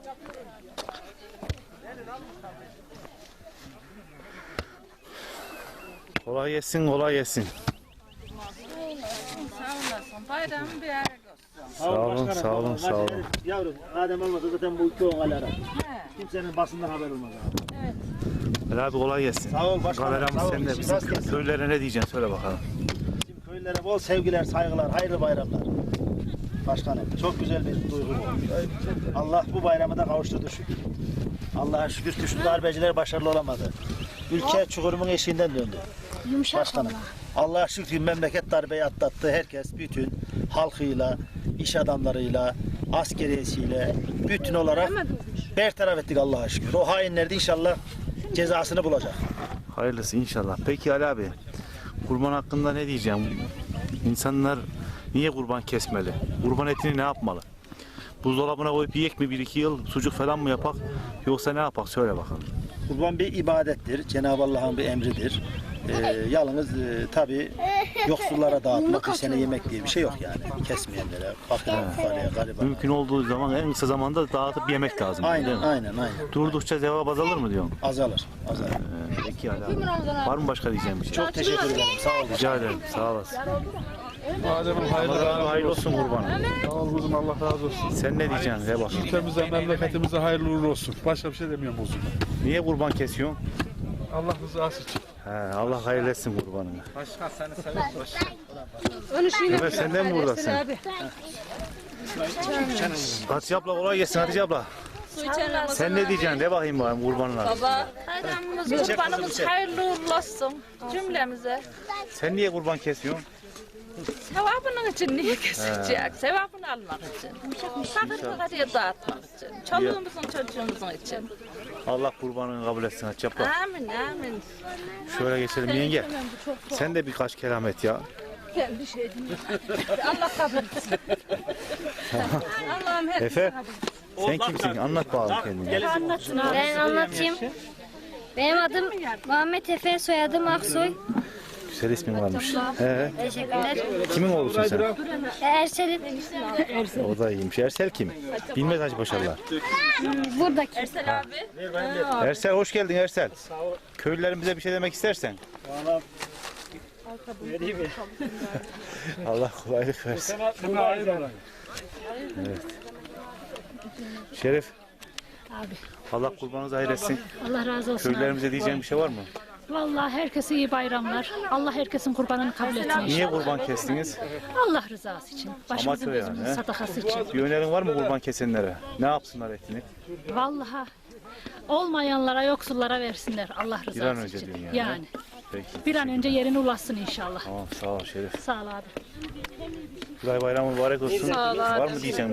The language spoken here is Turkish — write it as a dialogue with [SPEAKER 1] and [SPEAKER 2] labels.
[SPEAKER 1] Kolay gelsin, kolay gelsin.
[SPEAKER 2] Sağ olasın. Bayram mübarek olsun.
[SPEAKER 1] Sağ olun, sağ olun, sağ olun.
[SPEAKER 3] Yavrum, Adem olmasa zaten bu iki on alara. Kimsenin basından haber olmaz abi.
[SPEAKER 2] Evet.
[SPEAKER 1] Ali abi kolay gelsin.
[SPEAKER 3] Sağ ol başkanım.
[SPEAKER 1] Kameramız
[SPEAKER 3] sağ ol.
[SPEAKER 1] sende. Bizim
[SPEAKER 3] Nasıl gelsin?
[SPEAKER 1] köylere ne diyeceksin söyle bakalım.
[SPEAKER 3] Bizim köylere bol sevgiler, saygılar, hayırlı bayramlar. Başkanım, çok güzel bir duygu bu. Allah bu bayramı da kavuşturdu şükür. Allah'a şükür güçlü darbeciler başarılı olamadı. Ülke çukurumun eşiğinden döndü.
[SPEAKER 4] Yumuşak
[SPEAKER 3] Başkanım. Allah'a şükür memleket darbeyi atlattı. Herkes bütün halkıyla, iş adamlarıyla, askeriyesiyle bütün olarak bertaraf ettik Allah'a şükür. O hainler de inşallah cezasını bulacak.
[SPEAKER 1] Hayırlısı inşallah. Peki Ali abi, kurban hakkında ne diyeceğim? İnsanlar niye kurban kesmeli? Kurban etini ne yapmalı? Buzdolabına koyup yiyek mi 1-2 yıl sucuk falan mı yapak? Yoksa ne yapak? Söyle bakalım.
[SPEAKER 3] Kurban bir ibadettir. Cenab-ı Allah'ın bir emridir. Yalnız tabii yoksullara dağıtmak, bir sene yemek diye bir şey yok yani. Kesmeyenlere, fakire, fukaraya, garibana.
[SPEAKER 1] Mümkün olduğu zaman en kısa zamanda dağıtıp yemek lazım. değil
[SPEAKER 3] Aynen,
[SPEAKER 1] mi?
[SPEAKER 3] aynen.
[SPEAKER 1] Durdukça cevap azalır mı diyorsun?
[SPEAKER 3] Azalır.
[SPEAKER 1] Peki Ali abi. Var mı başka diyeceğim bir şey?
[SPEAKER 3] Çok teşekkür ederim. Sağ olun.
[SPEAKER 1] Rica ederim. Sağ olasın.
[SPEAKER 5] Adem'im
[SPEAKER 1] Hayırlı olsun kurbanım.
[SPEAKER 5] Sağ ol kuzum, Allah razı olsun.
[SPEAKER 1] Sen ne diyeceksin? De bak.
[SPEAKER 5] Ülkemize, memleketimize hayırlı uğurlu olsun. Başka bir şey demiyorum kuzum.
[SPEAKER 1] Niye kurban kesiyorsun?
[SPEAKER 5] Allah rızası için.
[SPEAKER 1] He, Allah hayırlı etsin kurbanını.
[SPEAKER 5] Başkan seni seviyoruz.
[SPEAKER 1] Evet, sen de mi buradasın? Hatice abla kolay gelsin Hatice abla. Sen ne diyeceksin? De bakayım bana kurbanına.
[SPEAKER 2] Baba, bayramımız, kurbanımız hayırlı uğurlu olsun cümlemize.
[SPEAKER 1] Sen niye kurban kesiyorsun?
[SPEAKER 2] Sevabının için niye kesecek? Sevabını almak için. Fakirlere dağıtmak için. Çoluğumuzun, çocuğumuzun için.
[SPEAKER 1] Allah kurbanını kabul etsin Hatice abla.
[SPEAKER 2] Amin, amin.
[SPEAKER 1] Şöyle geçelim yenge. Sen de birkaç kelam et ya.
[SPEAKER 2] Ben bir şey demiyorum. Allah kabul etsin. Allah'ım hep
[SPEAKER 1] Efe, sen kimsin? Anlat bakalım kendini.
[SPEAKER 4] Ben anlatayım. Benim adım Muhammed Efe, soyadım Aksoy.
[SPEAKER 1] Güzel ismin varmış.
[SPEAKER 4] Teşekkürler.
[SPEAKER 1] Kimin oğlusun sen?
[SPEAKER 4] Ersel'im.
[SPEAKER 1] O da iyiymiş. Ersel kim? Bilmez Hacı Paşalılar.
[SPEAKER 4] Buradaki.
[SPEAKER 2] Ersel abi.
[SPEAKER 1] Ersel hoş geldin Ersel. Köylülerimize bir şey demek istersen. Allah kolaylık versin. Evet. Şerif.
[SPEAKER 6] Abi,
[SPEAKER 1] Allah kurbanınızı hayır etsin.
[SPEAKER 6] Allah razı olsun.
[SPEAKER 1] Köylerimize diyeceğim bir şey var mı?
[SPEAKER 6] Vallahi herkese iyi bayramlar. Allah herkesin kurbanını kabul etsin
[SPEAKER 1] Niye
[SPEAKER 6] inşallah.
[SPEAKER 1] kurban kestiniz?
[SPEAKER 6] Allah rızası için. Başımızın
[SPEAKER 1] Amatör yani,
[SPEAKER 6] gözümüzün
[SPEAKER 1] he?
[SPEAKER 6] sadakası için.
[SPEAKER 1] Bir önerin var mı kurban kesenlere? Ne yapsınlar etini?
[SPEAKER 6] Vallahi olmayanlara, yoksullara versinler Allah rızası
[SPEAKER 1] Bir an önce
[SPEAKER 6] için.
[SPEAKER 1] diyorsun
[SPEAKER 6] Yani.
[SPEAKER 1] yani. Peki.
[SPEAKER 6] Bir an önce yerine ulaşsın inşallah.
[SPEAKER 1] Tamam sağ ol Şerif.
[SPEAKER 6] Sağ ol abi.
[SPEAKER 1] Kuray bayramı mübarek olsun.
[SPEAKER 2] Sağ ol abi.
[SPEAKER 1] Var mı diyeceğim?